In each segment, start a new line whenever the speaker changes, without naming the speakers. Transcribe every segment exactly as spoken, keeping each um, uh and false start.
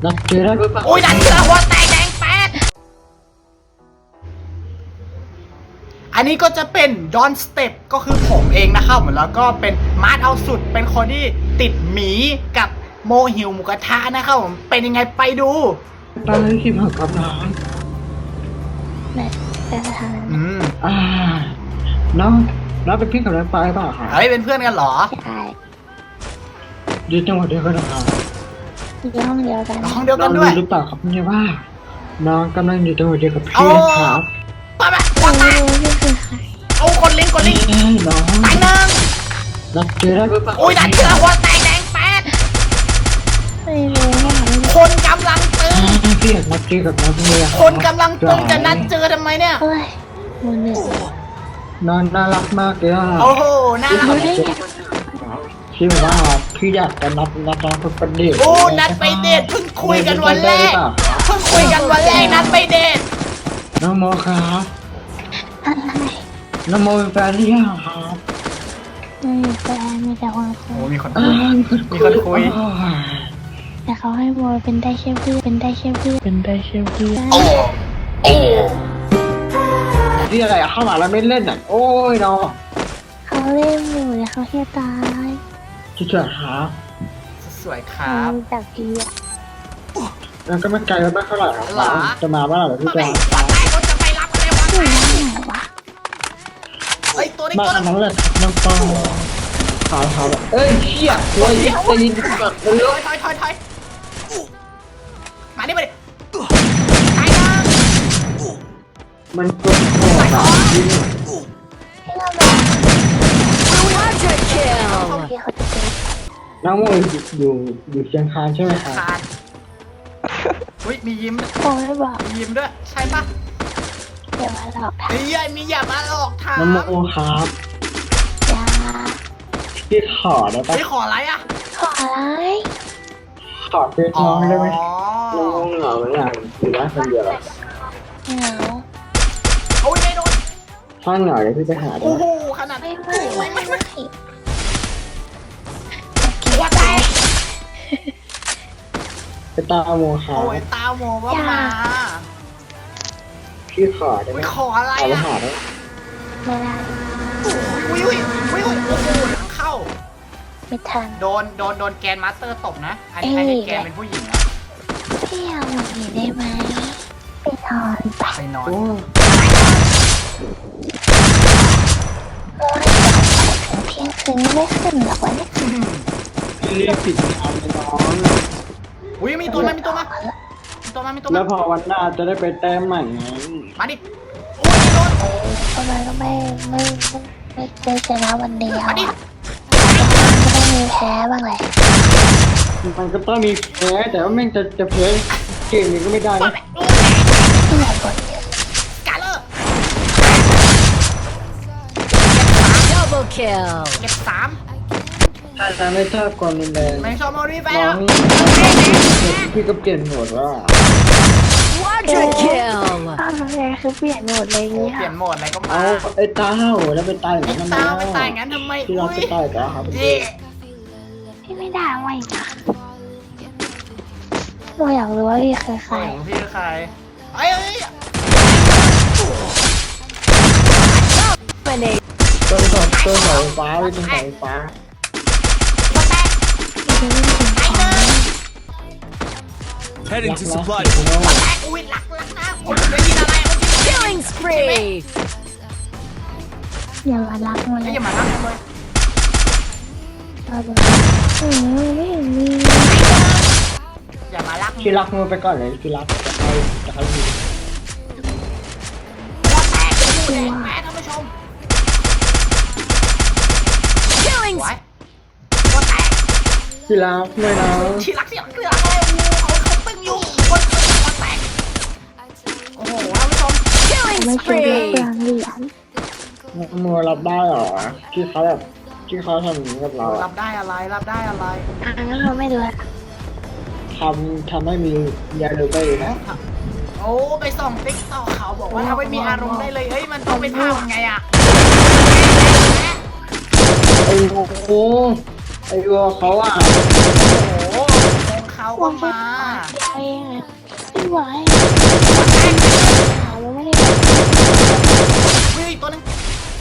นัดเจอได้หรือเปล่า
อุ้ยนัดเจอหัวแตกแดงแป๊ดอันนี้ก็จะเป็นดอนสเต็ปก็คือผมเองนะครับแล้วก็เป็นมาร์ทเอาสุดเป็นคนที่ติดหมีกับโมหิวหมูกระทะนะครับผมเป็นยังไงไปดู
ตอนนี้ที่ผ่านกับน้อง
แม่จะทำ
อืม
อ่าน้องน้องเป็นพี่กับน้องปายเปล่าคะ
เฮ้ยเป็นเพื่อนกันเหรอ
ใช่
อยู่จังหวัดเดียวกันนะครับ
อยู่ห้องเดียวกัน
ห้องเดียว
น้
กั
อน ง
ด้วย
รู้หรือเปล่าครับเนี่ยว่า น้องกำลังอยู่จังหวัดเดียวกับพี่ครับ
ไปไปหัวแต
ไม่
ก
รู้นี่คือใคร
เอาคนลิงก์คนลิงก์
เอ้ยน้อง
ตายหนึ่ง
นัดเจอได้หรือเปล่า
อุ้ยนัดเจอหัวแตกแดงแป๊ด
ไม่รู้ว่ามัน
คนกำลังตึง
อ่าพี่อยากนัดเจอกับน้องเนี่ย
คนกำลังตึงจะนัดเจอทำไมเนี่ย
เฮ้ยมือหนึ่ง
น้องน่ารักมากเลยอ่ะ
โอ้โหน่ารัก
รู้ได้ไง
พี่บอกว่าพี่อยากจะนัดนัดน้องไปเดท
โอ้นัดไปเดทเพิ่งคุยกันวันแรกเพิ่งคุยกันวันแรกนัดไปเดท
น้องโมครับ
อะไร
น้องโมเป็นแฟนหรือยังครับ
ไม่มีแฟนมีแต่คนคุ
โอ้
ย
มีคน
อ่า
คุย มีคนคุย
อ๋อ
แต่เขาให้โมเป็นได้แค่เพื่อนเป็นได้แค่เพื่อน
เป็นได้เชื่อพี่
โอ้โอ้
ที่อะไรอะเข้ามาแล้วไม่เล่นอ่ะโอ้ยน้อง
เขาเล่นอยู่แต่เขาแค่ตาย
ช่วยๆครับ
สวยค
เขา
รับ
จากพี่อะ
แล้วก็ไม่ไกลแล้วไม่เท่าไหร่ครับ
หรอ
จะมาเมื่อไหร่เดี๋ยวพี่
เมื่อ
จะ
ไหร่วันไหนเขาจะไปรับกันเลยวัน
อยู่
ไหน
ที่ไหนวะ
เฮ้ยตัวนี้
มา
ตัว
อัน
นี้
นั้นแหละครับน้องปองขาวขาวแบบเอ้ยเชี่ยโอ้ยจะยินกัดเล
ถ
ย
อยถอยถอยถอยมาดิมาดิตายนะ
มันกดคอแบบยิง
ให้เราแบบพี่เขาจะเจอ
น้องโมอยู่อยู่อยู่เชียงคานใช่ไหมครับ
ขาดอุ้ยมียิ้ม
โอ้ยบอก
มียิ้มด้วยใช่ปะ
เดี๋ยวมาหลอกท
เฮ้ยมีอย่ามาหลอกถาม
น้องโมครับ
ำยา
พี่ขอได้ปะ
เฮ้ยขออะไรอ่ะ
ขออะไร
ขอเป็นน้องได้ไหม
อ๋อ
น้องเหงาไหมอ่ะหรือว่าคนเดียวอะ
เหงา
โอ้ยไม่โดน
ถ้าเหงาเดี๋ยวพี่ไปหาได้
โอ้
ไหม
โหขนาด
ไม่
นี้
ไม่ไม่ไม่
หัวแตก
ไปตามโมครั
โอ้
บ
ยตาโมว่ามา
พี่ขอได้ไหม
อุ้ยขออะไร
เอาไป
อ่ะ
หาได้
ไม่ได้
อุ้ยอุ้ยอุ้ยอุ้ยโอ้โหเข้า
ไม่ทัน
โดนโดนโดนแกนมาสเตอร์ตบนะอันนี้อันนี้แกนเป็นผู้หญิงนะ
พี่เอาหนีได้ไหมไปนอนไป
ไปนอน
โอ้
โอ้ยถึงเที่ยงคืนไม่ขึ้นหรอกวะเนี่ย
พี่รีบปิดเอาไปน้อง
อุ้ยมีตัวมามีตัวมามีตัวมามีตัว
แล้
มาว
พอวันหน้าจะได้ไปแต้มใหม่ไง
มาดิโอ้ยโดน
ทำไมก็ไม่ไม่ไม่ไม่ชนะวันเดียว
มาดิ
อ่ะก็ต้องมีแพ้บ้างแหละ
มันก็ต้องมีแพ้แต่ว่าแม่งจะจะแพ้เกมนี้ก็ไม่ได้นะ
ที่ไหนบ่นเยอะ
กาเลอร์
Double kill.
เก็บสาม
ถ้าจะไม่ชอบความรุนแรง
ไม่ชอบมารีแฟ
น้
น
องพี่ก็เปลี่ยนโหมดว่า
Quadra kill.
อ้าวแล้วไงคือเปลี่ยนหมดเลย
โอ้
เนี่ย
เปลี่ยนโหมดอะไรก็มา
เอาไอ้ตาเห่าแล้วไปตายอย่าง
ไอ้
นั้น
ตาไม่ตายงั้นทำไม
ที่เรา
อุ้ย
จะตายกันครับ
เย่
พี่ไม่ด่าไว้นะโมอยากรู้ว่าพี่คือใคร
โอ้พี่คือใครเอ้ยเอ้ย
Dominate.
ต้นสองต้นเสาไฟฟ้าไว้ตรงเสาไฟฟ้า
มาแตก
พี่จะเล่นถึง
ไอ้
ของ
เนย
Heading to supply
คุณน้อง
มาแตกอุ้ยหลักหลักนะผมได้ยินอะไรเมื่อกี้
Killing spree.
อย่ามารักมันเล
ไอ้
ย
อย่ามาลักเลย
เราดูอืมไม่เห็นมี
อย่ามาลัก
พี่รักมือไปก่อนเลยพี่รักจะให้จะให้ดู
หัวแตกดูแดงแม่ท่านผู้ชม
Killing
ไว้หัวแตก
พี่รักไม่นะ
ชีรักเสียงเกลืออะไรโอ้โหเขาเขาตึงอยู่คนตึงหัวแตกโอ้โหท่านผู้ชม
killing
ไม่เคยได้เปลื
spree.
องเหรียญ
มือรับได้เหรอที่เขาแบบที่เขาทำอย่างนี้กับเรา
รั
อะ
บได้อะไรรับได้อะไร
อ่ะงั้นเราไม่ดูละ
ทำทำให้มียาดูได้นะ
โอ้ไปส่องติ๊กต่อเขาบอกว่าถ้าไม่มีอารมณ์ได้เลยเฮ้ยมันต้องเป็นภาพไงอะ
ไอ้โอ้โหไอ้วัวเขาอ่ะ
โอ้โหเขาก็มา
ยาเองอะไม่ไหวเราไม่ได้
เฮ้ยตัวนึง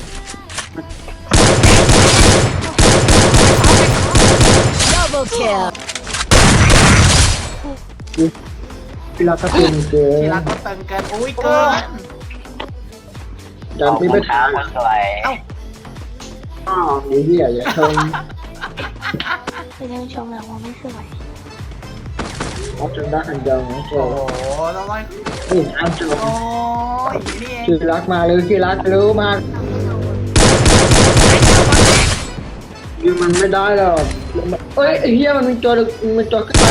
Double kill.
พี่รักก็ตึงเกิ
ที
น
ละก็ตึงเกินอุ้ยเกิน
จำพี่ไม่ทัน
สวย
เอ้า
อ้าวไอ้เหี้ยอย่าชม
ไม่ได้ชมหรอกว่าไม่สวย
เอาจนได้ทันยังนะเจ้า
โอ้โหแล้วก็
นี่เอาจน
โอ้ยนี่เอง
พี่รักมาเลยพี่รักรู้มากยิงมันไม่ได้หรอกเอ้ยไอ้เหี้ยมันมีตัวมันตัวใคร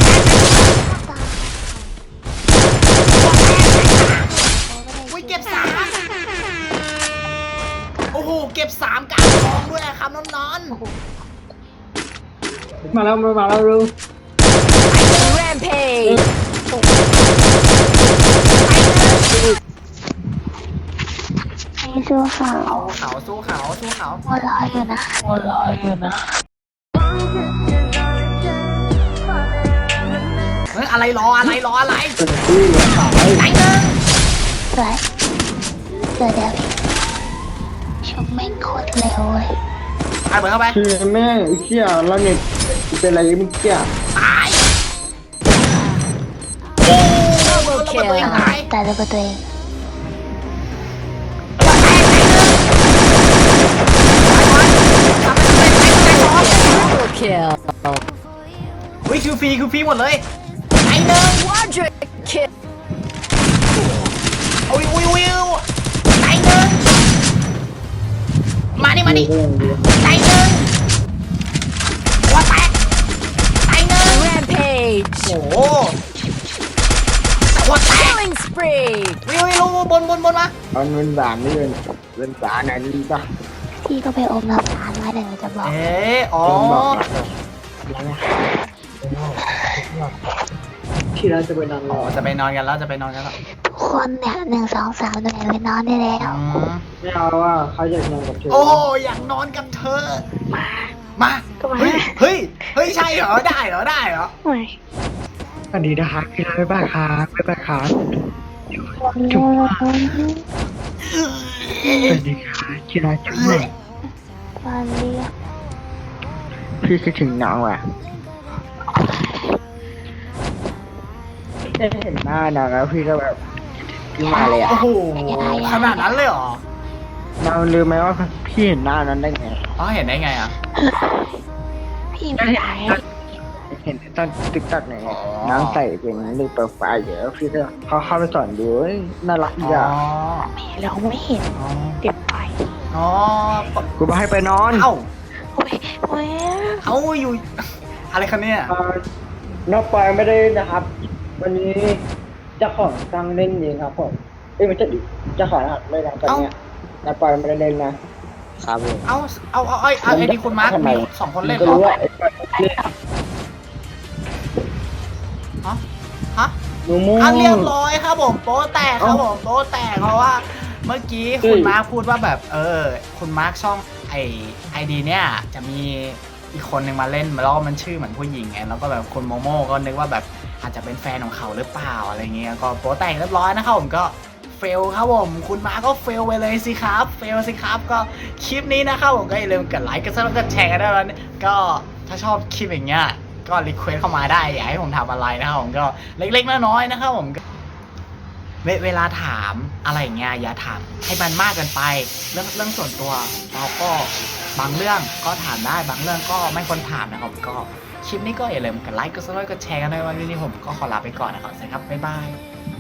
อุ้ยเก็บสามโอ้โหเก็บสามกลางทองด้วยอะครับน้องนอน
มาแล้วมาแล้วรู้
Rampage.
ให้สู้เขา
เขาสู้เขาสู้เขา
หัวเร้อยอยู่นะหัวเร้อยอยู่นะ
เฮ้ยอะไรรออะไรรออะไร
เป็นที่สาย
ไหนหนึ่ง
สวยเดี๋ยวเดี๋ยวชมแม่งโคตรเร็วเลย
อ่ะเบิร์เข้าไป
คือแม่ไอ้เหี้ยแล้วเนี่ยเป็นอะไรไม่เกี่ย
ตายโอ้ระเบิดตัวเองตาย
แต่ระเบิดตัวเอง
Double kill.
อุ้ยคิวฟรีคิวฟรีหมดเลยไหนหนึ่ง
Quadra kill.
อุ้ยอุ้ยอุ้ยไหนหนึ่งมานี่มานี่
ก็ยังดี
ไหนหนึ่งหัวแตกไหนหนึ่ง
Rampage.
โอ้โหหัวแตก
Killing spree.
วิววิวบนบนบนมา
เอาเงินบาทนี่เป็นเป็นสาไหนดีป่ะ
พี่ก็ไปอมน้ำตาลไว้เดี๋ยวหนูจะบอก
เอ๊ะอ๋อ
ต้องบอกที่เราจะไปนอนร
อ๋อ
อ
จะไปนอนกันแล้วจะไปนอนกันแล้ว
ทุกคนเนี่ยหนึ่งสองสามหน่วยไปนอนได้แล้ว
อืม
ไม่เอาว่าเขาอยากนอนกับเธอ
โอ้อยากนอนกับเธอ
มา
มา
ก็มา
เฮ้ยเฮ้ยเฮ้ยใช่เหรอได้เหรอได้เหรอ
โอ้ย
สวัสดีนะครับพี่รักบ๊ายบายครับบ๊ายบายครับ
จุ๊บ
สวัสดีครับที่รักจุ๊บหน่อย
วันเดียว
พี่คิดถึงน้องว่ะได้เห็นหน้าน้องแล้วพี่ก็แบบพี่มาเลยอ่ะ
โอ้โหขนาดนั้นเลยเหรอ
น้องลืมไหมว่าพี่เห็นหน้านั้นได้ไง
อ๋อเห็นได้ไงอ่ะ
พี่ไม่ได้
เห็นตอนติ๊กต็อกเนี่ยน้องใส่เป็นรูปโปรไฟล์เยอะพี่ก็เขาเข้าไปสอนดูเฮ้ยน่ารัก
อ๋
ดี
อ
อ่ะ
เราไม่เห็น
อ๋อ
เก็บไป
อ๋อ
กูบอกให้ไปนอน
เอ้า
โอ้ยโอ้ย
เอ้าอยู่ อะไรคะเนี่ย
เอ่อน้องปอยไม่ได้นะครับ วันนี้เจ้าของตั้งเล่นเองครับผมเอ้ยไม่ใช่ดิเจ้าของนะครับไม่ได้ตอนเนี้ยน้องปอยไม่ได้เล่นนะครับผม
เอ้าเอาเอาไอ้เอาไอ้ดีคุณมาร์ค
ทำไม
มีสองคนเล่นเห
ก็
รอ
รู้ว่าไอ้ปอยเล่น
ฮะฮะ
หนูมู
อ่ะเรียบร้อยครับผมโป๊ะแตกครับผมโป๊ะแตกเพราะว่าเมื่อกี้คุณมาร์คพูดว่าแบบเออคุณมาร์คช่องไอไอดีเนี่ยจะมีอีกคนหนึ่งมาเล่นแล้วก็มันชื่อเหมือนผู้หญิงไงแล้วก็แบบคุณโมโม่ก็นึกว่าแบบอาจจะเป็นแฟนของเขาหรือเปล่าอะไรเงี้ยก็โป๊ะแตกเรียบร้อยนะครับผมก็เฟลครับผมคุณมาร์คก็เฟลไปเลยสิครับเฟลสิครับก็คลิปนี้นะครับผมก็อย่าลืมกดไลค์กดซับสไครต์กดแชร์กันด้วยนะก็ถ้าชอบคลิปอย่างเงี้ยก็รีเควสเข้ามาได้อยากให้ผมทำอะไรนะครับผมก็เล็กๆน้อยๆนะครับผมเวเวลาถามอะไรอย่างเงี้ยอย่าถามให้มันมากเกินไปเรื่องเรื่องส่วนตัวเราก็บางเรื่องก็ถามได้บางเรื่องก็ไม่ควรถามนะครับก็คลิปนี้ก็อย่าลืมกดไลค์กดซับสไครต์กดแชร์กันด้วยวันนี้ผมก็ขอลาไปก่อนนะครับสวัสดีครับบ๊ายบาย